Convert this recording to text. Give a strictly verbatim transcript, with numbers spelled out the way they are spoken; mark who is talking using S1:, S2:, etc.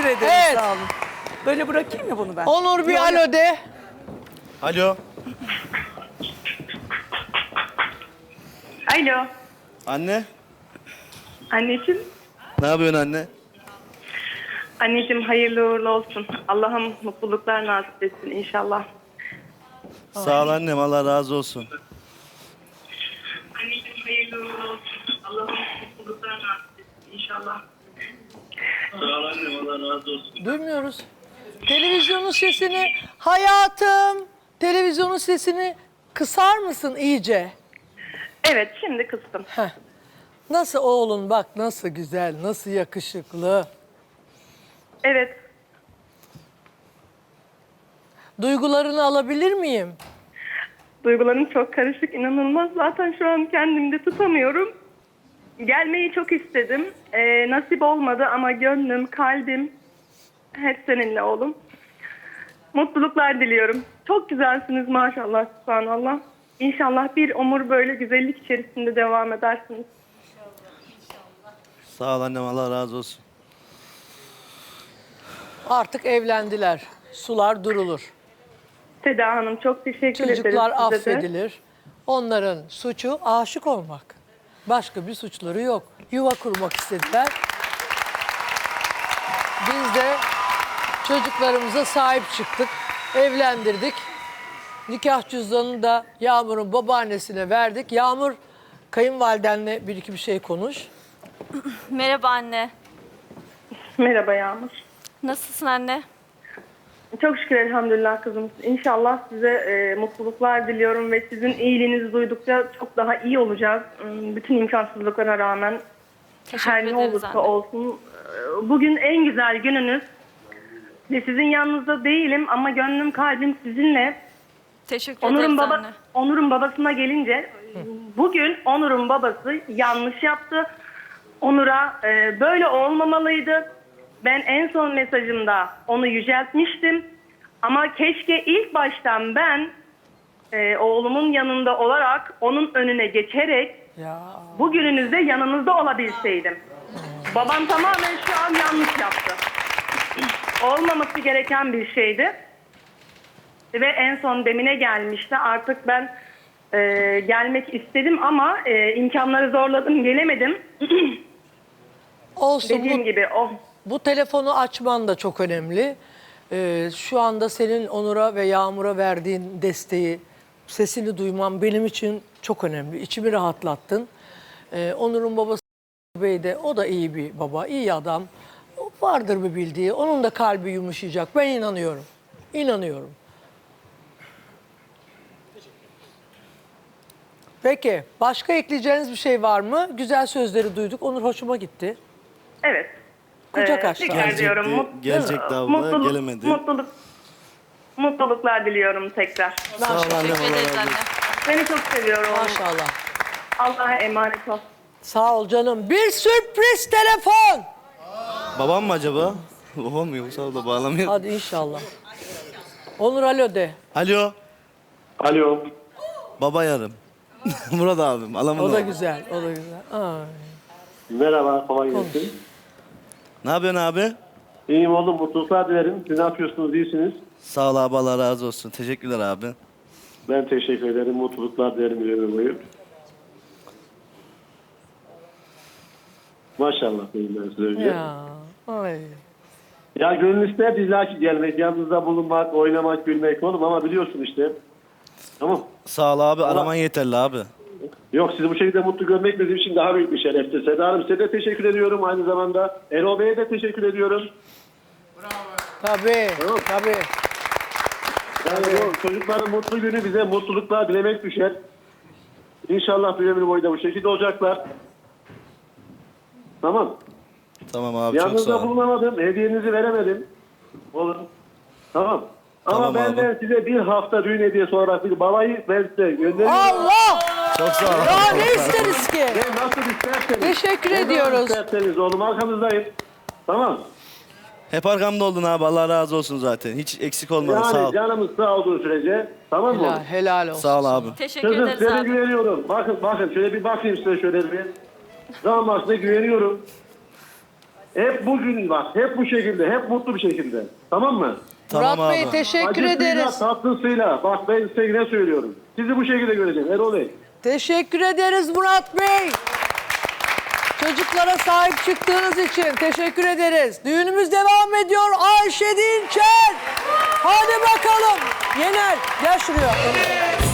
S1: ederim,
S2: Evet.
S1: sağ olun. Böyle bırakayım mı bunu ben?
S2: Onur bir
S1: Yok,
S2: alo de.
S3: Alo.
S4: Alo.
S3: Anne.
S4: Anneciğim.
S3: Ne yapıyorsun anne?
S4: Anneciğim hayırlı uğurlu olsun. Allah'ım mutluluklar nasip etsin inşallah.
S3: Sağ ol annem. Allah razı olsun.
S4: Anneciğim hayırlı uğurlu olsun. Allah'ım mutluluklar nasip etsin inşallah. Sağ ol annem. Allah razı olsun.
S2: Duymuyoruz. Televizyonun sesini, hayatım, televizyonun sesini kısar mısın iyice?
S4: Evet şimdi kıstım.
S2: Heh. Nasıl oğlun bak nasıl güzel, nasıl yakışıklı.
S4: Evet.
S2: Duygularını alabilir miyim?
S4: Duygularım çok karışık, inanılmaz. Zaten şu an kendimde tutamıyorum. Gelmeyi çok istedim. Ee, nasip olmadı ama gönlüm, kalbim hep seninle oğlum. Mutluluklar diliyorum. Çok güzelsiniz maşallah, subhanallah. İnşallah bir ömür böyle güzellik içerisinde devam edersiniz.
S3: Sağ ol annem. Allah razı olsun.
S2: Artık evlendiler. Sular durulur.
S4: Seda Hanım çok teşekkür ederim
S2: Çocuklar
S4: size de.
S2: affedilir. Onların suçu aşık olmak. Başka bir suçları yok. Yuva kurmak istediler. Biz de çocuklarımıza sahip çıktık. Evlendirdik. Nikah cüzdanını da Yağmur'un babaannesine verdik. Yağmur, kayınvalidenle bir iki bir şey konuş.
S5: Merhaba anne.
S4: Merhaba Yağmur.
S5: Nasılsın anne?
S4: Çok şükür elhamdülillah kızım. İnşallah size e, mutluluklar diliyorum ve sizin iyiliğinizi duydukça çok daha iyi olacağız. Hmm, Bütün imkansızlıklara rağmen
S5: Teşekkür
S4: her ne
S5: ederiz
S4: olursa
S5: anne.
S4: olsun. e, Bugün en güzel gününüz. Ve sizin yanınızda değilim ama gönlüm kalbim sizinle.
S5: Teşekkür
S4: Onur'un
S5: ederiz
S4: baba
S5: anne.
S4: Onur'un babasına gelince bugün Onur'un babası yanlış yaptı. Onur'a e, böyle olmamalıydı. Ben en son mesajımda onu yüceltmiştim. Ama keşke ilk baştan ben e, oğlumun yanında olarak onun önüne geçerek
S2: Ya
S4: bugününüzde yanınızda olabilseydim. Babam tamamen şu an yanlış yaptı. Olmaması gereken bir şeydi. Ve en son demine gelmişti. Artık ben e, gelmek istedim ama e, imkanları zorladım, gelemedim.
S2: olsun.
S4: Dediğim
S2: Bu,
S4: gibi o.
S2: bu telefonu açman da çok önemli. Ee, şu anda senin Onur'a ve Yağmur'a verdiğin desteği, sesini duymam benim için çok önemli. İçimi rahatlattın. Ee, Onur'un babası Bey de, o da iyi bir baba, iyi adam. Vardır bir bildiği. Onun da kalbi yumuşayacak. Ben inanıyorum. İnanıyorum. Peki, başka ekleyeceğiniz bir şey var mı? Güzel sözleri duyduk. Onur hoşuma gitti.
S4: Evet.
S2: Kucak
S4: Ee,
S2: açtı.
S4: tekrar
S3: Gelecekti,
S4: diyorum. Mut-
S3: gelecekti abla,
S4: mutluluk,
S3: gelemedi.
S4: Mutluluk, mutluluklar diliyorum tekrar.
S3: Sağ ol annem.
S5: Teşekkür
S3: Allah
S5: ederiz
S3: razı
S5: anne.
S3: olsun.
S4: Seni çok seviyorum.
S2: Maşallah.
S4: Allah'a emanet ol.
S2: Sağ ol canım. Bir sürpriz telefon.
S3: Babam mı acaba? Babam mı yoksa abla bağlamıyor.
S2: Hadi inşallah. Onur alo de.
S3: Alo.
S6: Alo.
S3: Baba yarım. Murat abim. Alamın
S2: O da
S3: oğlu.
S2: güzel, o da güzel. Ay.
S6: Merhaba, kolay gelsin.
S3: Ne yapıyorsun abi?
S6: İyiyim oğlum, mutluluklar dilerim. Siz ne yapıyorsunuz, iyisiniz?
S3: Sağ ol abi. Allah razı olsun. Teşekkürler abi.
S6: Ben teşekkür ederim, mutluluklar dilerim bir ömür boyu. Maşallah diyeyim ben size önce. Ya,
S2: Ya, ay.
S6: ya gönül ister illaki gelmek, yanınızda bulunmak, oynamak, gülmek oğlum ama biliyorsun işte. Tamam.
S3: Sağ ol abi. Araman yeterli abi.
S6: Yok, sizi bu şekilde mutlu görmek bizim için daha büyük bir şereftir. Seda Hanım, size de teşekkür ediyorum aynı zamanda. Erol Bey'e de teşekkür ediyorum.
S2: Tabii,
S6: Tamam.
S2: tabii.
S6: Yani o çocukların mutlu günü bize mutluluklar dilemek düşer. İnşallah bir ömür boyu da bu şekilde olacaklar. Tamam.
S3: Tamam abi. Çok sağ
S6: Yanınızda
S3: ol.
S6: bulunamadım, hediyenizi veremedim. Olur. Tamam. Ama
S3: Tamam
S6: benden
S3: abi.
S6: size bir hafta düğün hediyesi olarak bir balayı ben size gönderiyorum.
S2: Allah!
S3: Çok sağ ol.
S2: Ya
S3: abi,
S2: ne
S3: çok sağ ol.
S2: isteriz ki?
S6: Ne nasıl isterseniz.
S2: Teşekkür
S6: ne zaman
S2: ediyoruz.
S6: isterseniz oğlum, arkanızdayım. Tamam.
S3: Hep arkamda oldun abi. Allah razı olsun zaten. Hiç eksik olmadın. Sağ ol.
S6: Yani canımız sağ olduğu sürece. Tamam mı?
S2: Helal, helal olsun.
S3: Sağ ol abi.
S5: Teşekkür
S6: Kızım
S5: ederiz
S6: size
S5: abi.
S6: güveniyorum. Bakın bakın şöyle bir bakayım size şöyle bir. Damat size güveniyorum. Hep bugün bak, hep bu şekilde, hep mutlu bir şekilde. Tamam mı?
S3: Tamam
S2: Murat Bey
S3: abi.
S2: teşekkür
S6: Acısıyla,
S2: ederiz.
S6: tatlısıyla. Bak ben size ne söylüyorum. Sizi bu şekilde göreceğim Erol Bey.
S2: Teşekkür ederiz Murat Bey. Çocuklara sahip çıktığınız için teşekkür ederiz. Düğünümüz devam ediyor. Ayşe Dinçer. Hadi bakalım. Yener gel şuraya.